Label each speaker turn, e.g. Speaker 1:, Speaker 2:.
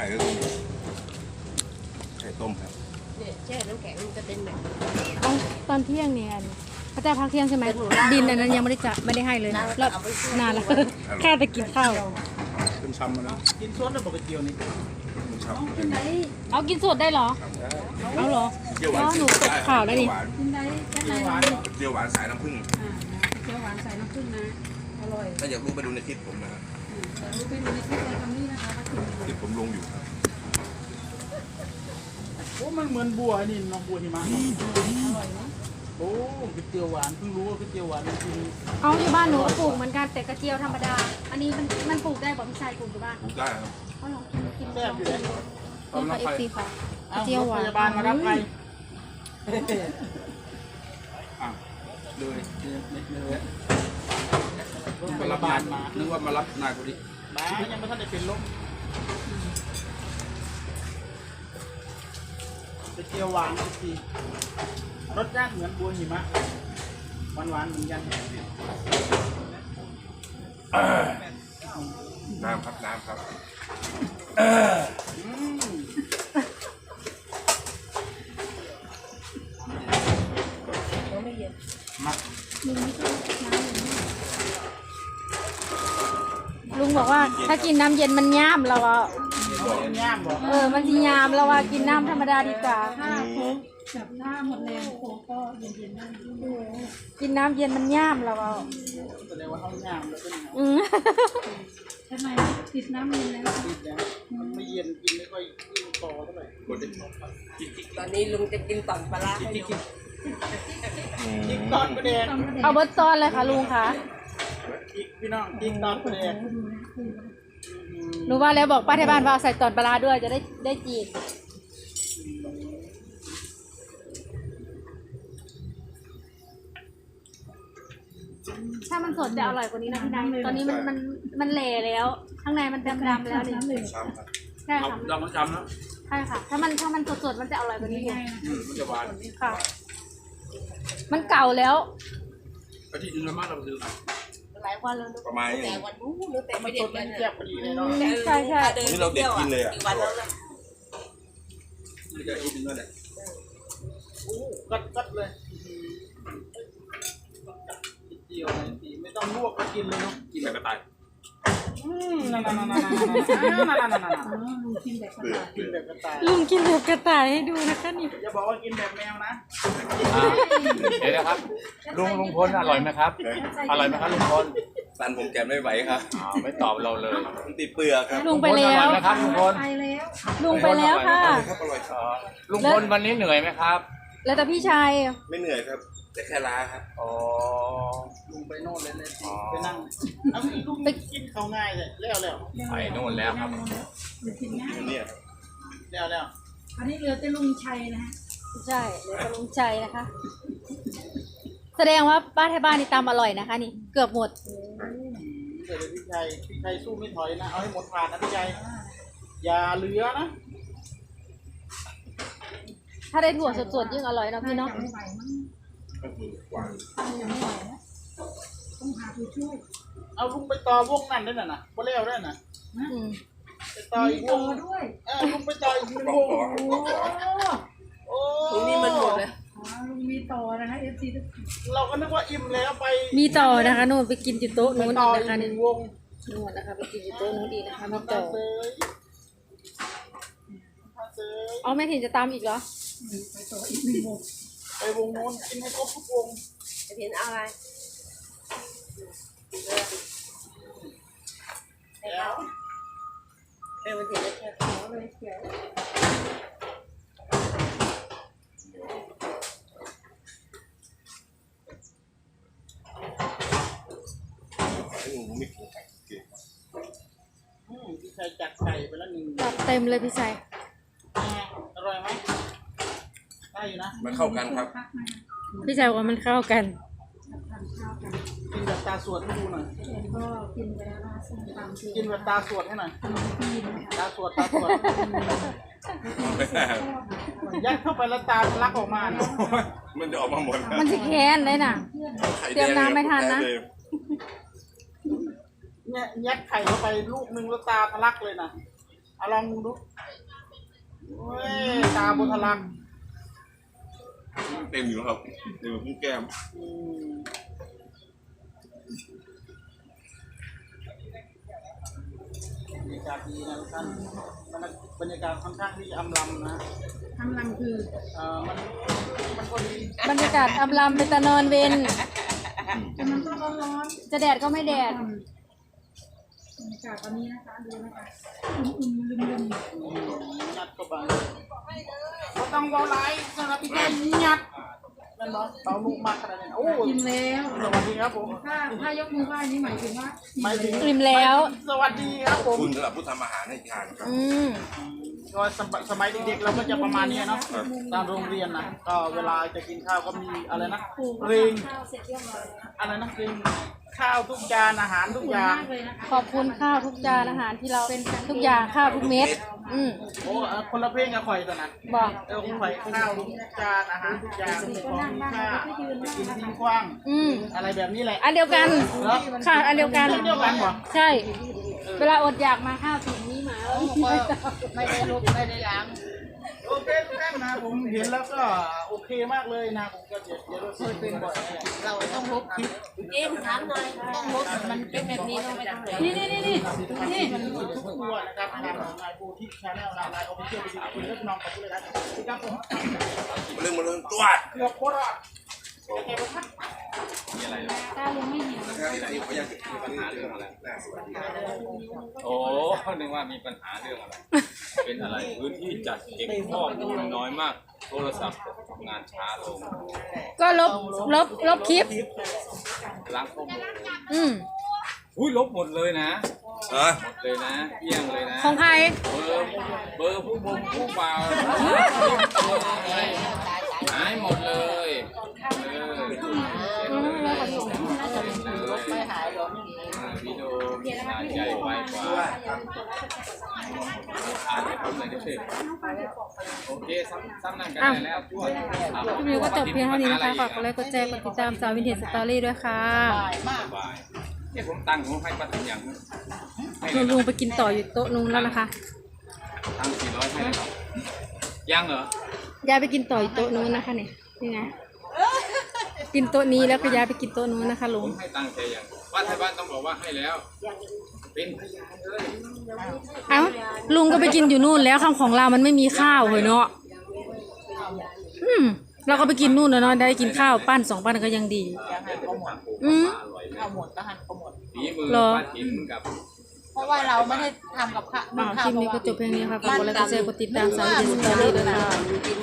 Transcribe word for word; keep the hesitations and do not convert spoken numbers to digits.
Speaker 1: ก็คือไข่ต้มครับ
Speaker 2: เนี่ยแช่น้ำแข็งมันจะเป็นแบบ
Speaker 3: ตอนเที่ยงเนี่ยพระเจ้าพักเที่ยงใช่ไหมดินอันนั้นยังไม่ได้จะไม่ได้ให้เลยแล้วนานแล้วแค่ไปกินข้าว
Speaker 1: เป็นช้ำมาแล้ว
Speaker 4: กินซดได้ปกตินี่
Speaker 1: เป็นช้ำ
Speaker 3: เอากินสดได้เหรอเอาเหรอเพราะหนูตกข่าวแล้วนี่
Speaker 2: กินได้แค่ไหน
Speaker 1: เจียวหวานสายน้ำผึ้ง
Speaker 2: เจียวหวานใส่น้ำผึ้งนะอร่อย
Speaker 1: ถ้าอยากรู้ไปดูในคลิปผมนะครับ
Speaker 2: รู้ไปดูในคลิปในคำนี้นะคะ
Speaker 1: คลิปผมลงอยู่ครับ
Speaker 4: โอ้มันเหมือนบัวนี่น้องบัวหิมะอร่อยนะโอ้ก๋วยเตี๋ยวหวานเพิ่งรู้ว่าก๋วยเตี๋ยวหวานจริง
Speaker 3: เอาอยู่บ้านหนูก็ปลูกเหมือนกันแต่กระเจียวธรรมดาอันนี้มันมันปลูกได้บอกพี่ชายปลูกอยู่บ้าน
Speaker 1: ปลูกได้ครับ
Speaker 3: เขาลองกินกิน
Speaker 4: แซ่บอยู่เลย
Speaker 3: นี่ค่ะเอฟซีค่ะกระเจียวหวาน
Speaker 4: พยาบาลมารับใครอ่ะเลยเลยพยาบาลมา
Speaker 1: นึกว่ามารับนายคนนี้
Speaker 4: มายังไม่ทันได้เป็นลมก๋วยเตี๋ยวหวานจริงรสชาติเหมือนบัวหิมะหวานหวานเหมือนกัน
Speaker 1: น้ำครับน้ำครับ
Speaker 4: มา
Speaker 3: ลุงบอกว่าถ้ากินน้ำเย็นมันย่ามเราอ่ะเออมันจะยามเราว่ากินน้ำธรรมดาดีกว่า
Speaker 2: จับหน้าหมดแรงโค้ก็เย็นๆได้
Speaker 3: กินน้ำเย็นมันย่ามเราอ่ะ
Speaker 4: แสดงว่าเขาย่ามแล้วเป็นไง
Speaker 3: อืม
Speaker 2: ทำไมติดน้ำเย็นแล้ว
Speaker 4: ติดแล้วมันไม่เย็นกินไม่ค่อยยิ่งต่อเท่าไหร่
Speaker 2: ตอนนี้ลุงจะกินต่อนปลาร้าให้ดู
Speaker 4: กินตอนประเด็น
Speaker 3: เอาเบิร์ตซอนเลยค่ะลุงค่ะ
Speaker 4: พี่น้องกินตอนประเด็น
Speaker 3: หนูว่าแล้วบอกป้าที่บ้านว่าใส่ตอนปลาด้วยจะได้ได้จีนถ้ามันสดจะอร่อยกว่านี้นะพี่นายตอนนี้มันมันมันเละแล้วข้างในมันดำดำแล้วนี่ใช่ค่ะ
Speaker 4: ดำมันจำแล้ว
Speaker 3: ใช่ค่ะถ้ามันถ้ามันสดๆมันจะอร่อยกว่านี้
Speaker 4: มันจะหวาน
Speaker 3: ค่ะมันเก่าแล้ว
Speaker 4: อาทิตย์นึงละมากเราซื้อ
Speaker 2: หลายวันแล้ว
Speaker 1: ประมาณ
Speaker 2: แต่วันนู้นหรือแต่ไม่เด็ดกัน
Speaker 4: เจ็บพอดีเลยเนาะ
Speaker 3: ใช่ใช่
Speaker 1: นี่เราเด็ดกินเลยอ่ะ
Speaker 2: วันแล้วนะ
Speaker 4: นี่ก็อีกนึงแล้วแหละโอ้กัดกัดเลยเดียวเลยทีไม่ต้องลวกก็กินเลยเนาะกินแบบกระต่ายอืมนั่นนั่นนั่นนั่นนั่นนั่นนั่น
Speaker 2: ลุงกินแบบกระต่าย
Speaker 4: กินแบบกระต่าย
Speaker 3: ลุงกินแบบกระต่ายให้ดูนะคะนี่
Speaker 4: อย่าบอกว่ากินแบบแมวนะ
Speaker 5: เดี๋ยวนะครับลุงลุงพลอร่อยไหมครับอร่อยไหมครับลุงพล
Speaker 1: สันผมแกไม่ไหวครับ
Speaker 5: อ๋อไม่ตอบเราเลย
Speaker 1: มันติดเปลือกครับ
Speaker 3: ลุงไปแล้ว
Speaker 5: นะครับลุงพล
Speaker 2: ไปแล้ว
Speaker 3: ลุงไปแล้วค่ะ
Speaker 5: ลุงพลวันนี้เหนื่อยไหมครับ
Speaker 3: แล้วแต่พี่ชาย
Speaker 1: ไม่เหนื่อยครับแต่แค่ล้าครับ
Speaker 5: อ๋อ
Speaker 4: ลุงไปโน่นเลยเลยไปนั่งเอาลุงไปกินเขาง่ายเลยแล้วแล้ว
Speaker 5: ไปโน่นแล้วครับ
Speaker 1: เนี่ย
Speaker 4: แล้วแล้ว
Speaker 2: อันนี้เหลือแต่ลุงชัยนะฮะ
Speaker 3: ใช่เหลือแต่ลุงชัยนะคะแสดงว่าป้าไทยบ้านนี่ตำอร่อยนะคะนี่เกือบหมด
Speaker 4: เดี๋ยวพี่ชัยพี่ชัยสู้ไม่ถอยนะเอาให้หมดผ่านนะพี่ชัยอย่าเหลือนะ
Speaker 3: ถ้าได้ถั่วสดๆยิ่งอร่อยนะพี่เนาะ
Speaker 2: ต้องหาผู้ช่วย
Speaker 4: เอาลุงไปต่อวงนั่นได้น่ะนะบ่แล้วได้น่ะไปต่ออีกวงด้วยเออลุงไปต่ออีกวงโอ้
Speaker 2: ลุงนี่มันหมดเลยลุงมีต่อนะคะเอฟซี
Speaker 4: เราก็นึกว่าอิ่มแล้วไป
Speaker 3: มีต่อนะคะนู่นไปกินจุดโต๊ะนู้นอีกนะคะ
Speaker 4: หนึ่งวง
Speaker 3: นู่นนะคะไปกินจุดโต๊ะนู้นอีกนะคะมีต่อเอาแม่ถิ่นจะตามอีกเหรอ
Speaker 2: ไปต่ออีกหนึ่งวง
Speaker 4: ไปวงโน้นกินให้ครบทุกวง
Speaker 2: จะเห็นอะไรแล้วเป็นวันที่แค่ขอเลยเขียว
Speaker 1: ให้ลุงไม่กินไก่เก่ง
Speaker 4: อืมพี่ชายจัดไก่ไปแล้วหนึ่ง
Speaker 3: จัดเต็มเลยพี่ชาย
Speaker 4: อร่อยไหมได้อยู่นะ
Speaker 1: มันเข้ากันครับ
Speaker 3: พี่ชายว่ามันเข้ากัน
Speaker 4: กินแบบตาสวดให้ดูหน่อย
Speaker 2: ก็กินไปแล้วนะส้มตำ
Speaker 4: กินแบบตาสวดให้หน่อยตาสวดตาสวดยัดเข้าไปแล้วตาทะลักออกมา
Speaker 1: มันจะออกมาหมด
Speaker 3: มันจะแค้นเลยน่ะเตรียมน้ำไม่ทันนะ
Speaker 4: เนี่ยยัดไข่เข้าไปลูกนึงแล้วตาทะลักเลยนะเอาลองดูยตาบุทลัก
Speaker 1: เต็มอยู่ครับเต็มพุ่งแก้ม
Speaker 4: อืมบรรยากาศดีนะทุกท่านบรรยากาศค่อนข้างที่อำลำนะ
Speaker 2: ทำรังคือ
Speaker 4: เอ่อมันมันก็ดี
Speaker 3: บรรยากาศอำลำเป็นตะนอนเวน
Speaker 2: แต่มันก็ร้อน
Speaker 3: จะแดดก็ไม่แดด
Speaker 2: ๆบรรยากาศตอนนี้นะคะดูนะคะอุ่นๆลืม
Speaker 4: ยัดเข้าไปก็ต้องเบาไหลสำหรับพี่แก้มยัดนั่นเนาะเบาลูกมากขนาดนี้โอ้
Speaker 2: ๆกินแล้ว
Speaker 4: สวัสดีครับผม
Speaker 2: ถ้าถ้ายกมือไหว้นี่หมายถึงว่า
Speaker 4: หมายถึง
Speaker 3: อิ่มแล้ว
Speaker 4: สวัสดีครับผม
Speaker 1: คุณสำหรับผู้ทำอาหารให้ทานครับ
Speaker 3: อืม
Speaker 4: ก็สมัยสมัยเด็กๆเราก็จะประมาณนี้เนาะตามโรงเรียนนะก็เวลาจะกินข้าวก็มีอะไรนะเพลงอะไรนะเพลงข้าวทุกจานอาหารทุกอย่าง
Speaker 2: มากเลยนะคะ
Speaker 3: ขอบคุณข้าวทุกจานอาหารที่เราเป็นทุกอย่างข้าวทุกเม็ด อืม
Speaker 4: โอ้เอ่อคนละเพลงกับข่อยตอนนั้น
Speaker 3: บอก
Speaker 4: เออข่อยข้าวทุกจานอาหารทุกอย่างของทุกข้าจะกินทิ้งขว้าง
Speaker 3: อืม
Speaker 4: อะไรแบบนี้แหละ
Speaker 3: อันเดียวกัน
Speaker 4: เหรอ
Speaker 3: ค่ะอันเดียวกัน
Speaker 4: เรื่องเดียวกันเหรอ
Speaker 3: ใช่ เวลาอดอยากมาข้าวถุงนี้มาแล้ว
Speaker 2: ไม่ได้ลบไม่ได้ล้าง
Speaker 4: โอเคทุกท่านนะผมเห็นแล้วก็โอเคมากเลยนะผมก็เดี๋ยวเดี๋ยวเราเคยเป็นบ่อยแน่
Speaker 2: เราต้องลบคลิปเอ็มถามหน่อยต้องลบมันเป็นแบบนี้ต้องไปทำอะไรนี่นี่นี่นี่
Speaker 4: นี่มันมีทุกตัวนะครับทางของนายโบทิชชาแนลนายโอเชียลไปดูคุณเลือกน้องกับคุณเลยนะครับผม
Speaker 1: มาเรื่องมาเรื่องตัว
Speaker 4: เกือบโคตรอ่ะ
Speaker 3: ถ้าลุงไม่หิว
Speaker 1: นะครับที่ไหนเขาอยากจะมีปัญหาเรื่องอะไรน่าสวัสดีครับ
Speaker 5: โอ้นึกว่ามีปัญหาเรื่องอะไร เป็นอะไรพื้นที่จัดเก็บข้อมูลน้อยมาก โทรศัพท์ทำงานช้าลง
Speaker 3: ก็ลบลบลบคลิป
Speaker 5: ล้างข้อมูล
Speaker 3: อืม
Speaker 5: อุ้ยลบหมดเลยนะ
Speaker 1: เออ
Speaker 5: หมดเลยนะเอี่ยงเลยนะ
Speaker 3: ของใคร
Speaker 5: เบอร์เบอร์ผู้บงผู้เบาหายหมดเลยเออเก็บเลยเก็บเลย
Speaker 2: ไม่หายหรอก
Speaker 5: วิดีโอมีขนาดใหญ่ไวกว่าอ่านให้ผมหน่อยดิโอเคซ้ำซ้ำนั่งกันได้แล้วจ้ว
Speaker 3: คลิปนี้ก็จบเพียงเท่านี้นะคะฝากกดไลค์กดแชร์กดติดตามสาววินเทจสตอรี่ด้วยค่ะ
Speaker 5: สบายเนี่ยผมตั้งผมให้ป้าถึงอย่างให้
Speaker 3: ลุ
Speaker 5: เล
Speaker 3: ง
Speaker 5: ย
Speaker 3: ลุงไปกินต่ออยู่โต๊ะนู้นแล้วนะคะ
Speaker 5: ตั้งสี่ร้อยให้เลยเหรอยังเหรอย
Speaker 3: ายไปกินต่ออยู่โต๊ะนู้นนะคะเนี่ยนี่ไงกินโต๊ะนี้แล้วก็ย้ายไปกินโต๊ะนู้นนะคะ
Speaker 5: ผ
Speaker 3: ลุง
Speaker 5: มให้ตั้งใจอย่างว่าไทยบ้านต้องบอกว่าให้แล้ว เป็นพยานเลย
Speaker 3: เอ้าลุงก็ไปกินอยู่นู่นแล้วข้างของเรามันไม่มีข้าวเหรอเนาะอืมเราก็ไปกินนู่นแล้วเนาะได้กินข้าวปั้นสองปั้นก็ยังดี
Speaker 2: ยังหันก็หมด
Speaker 3: อืม
Speaker 5: อร่อยเลย
Speaker 2: เอาหมดก็หันก็หมด
Speaker 5: ฝีมือ
Speaker 3: เหรอ
Speaker 5: ป้าถิ่นกับ
Speaker 2: เพราะว่าเราไม่ได้ทำกับข้าว
Speaker 3: อ่าคลิปนี้ก็จบเพียงนี้ค่ะฝากกดไลค์กดแชร์กดติดตามสาววินเทจสตอรี่ด้วยค่ะ